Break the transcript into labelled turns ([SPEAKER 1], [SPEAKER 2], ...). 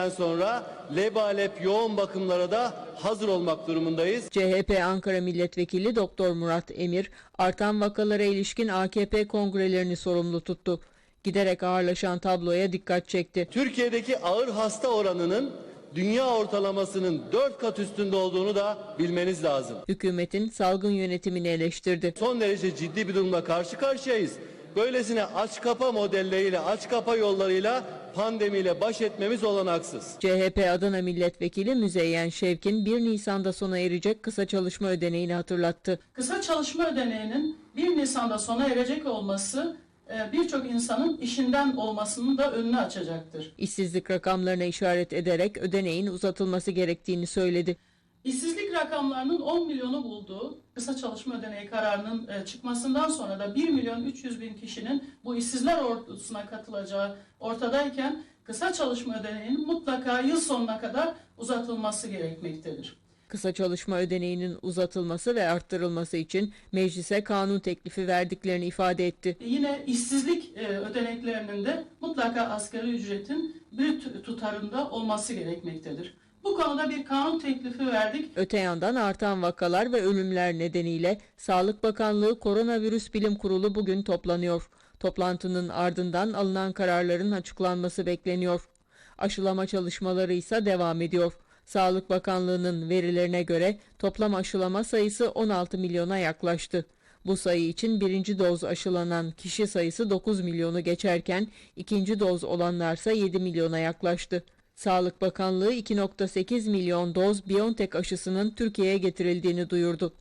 [SPEAKER 1] Sonra lebalep yoğun bakımlara da hazır olmak durumundayız.
[SPEAKER 2] CHP Ankara Milletvekili Doktor Murat Emir, artan vakalara ilişkin AKP kongrelerini sorumlu tuttu. Giderek ağırlaşan tabloya dikkat çekti.
[SPEAKER 1] Türkiye'deki ağır hasta oranının dünya ortalamasının 4 kat üstünde olduğunu da bilmeniz lazım.
[SPEAKER 2] Hükümetin salgın yönetimini eleştirdi.
[SPEAKER 1] Son derece ciddi bir durumla karşı karşıyayız. Böylesine aç kapa modelleriyle, aç kapa yollarıyla pandemiyle baş etmemiz olanaksız.
[SPEAKER 2] CHP Adana Milletvekili Müzeyyen Şevkin 1 Nisan'da sona erecek kısa çalışma ödeneğini hatırlattı.
[SPEAKER 3] Kısa çalışma ödeneğinin 1 Nisan'da sona erecek olması birçok insanın işinden olmasının da önünü açacaktır.
[SPEAKER 2] İşsizlik rakamlarına işaret ederek ödeneğin uzatılması gerektiğini söyledi.
[SPEAKER 3] İşsizlik rakamlarının 10 milyonu bulduğu kısa çalışma ödeneği kararının çıkmasından sonra da 1 milyon 300 bin kişinin bu işsizler ordusuna katılacağı ortadayken kısa çalışma ödeneğinin mutlaka yıl sonuna kadar uzatılması gerekmektedir.
[SPEAKER 2] Kısa çalışma ödeneğinin uzatılması ve arttırılması için meclise kanun teklifi verdiklerini ifade etti.
[SPEAKER 3] Yine işsizlik ödeneklerinin de mutlaka asgari ücretin brüt tutarında olması gerekmektedir. Bu konuda bir kanun teklifi verdik.
[SPEAKER 2] Öte yandan artan vakalar ve ölümler nedeniyle Sağlık Bakanlığı Koronavirüs Bilim Kurulu bugün toplanıyor. Toplantının ardından alınan kararların açıklanması bekleniyor. Aşılama çalışmaları ise devam ediyor. Sağlık Bakanlığı'nın verilerine göre toplam aşılama sayısı 16 milyona yaklaştı. Bu sayı için birinci doz aşılanan kişi sayısı 9 milyonu geçerken ikinci doz olanlarsa 7 milyona yaklaştı. Sağlık Bakanlığı 2,8 milyon doz BioNTech aşısının Türkiye'ye getirildiğini duyurdu.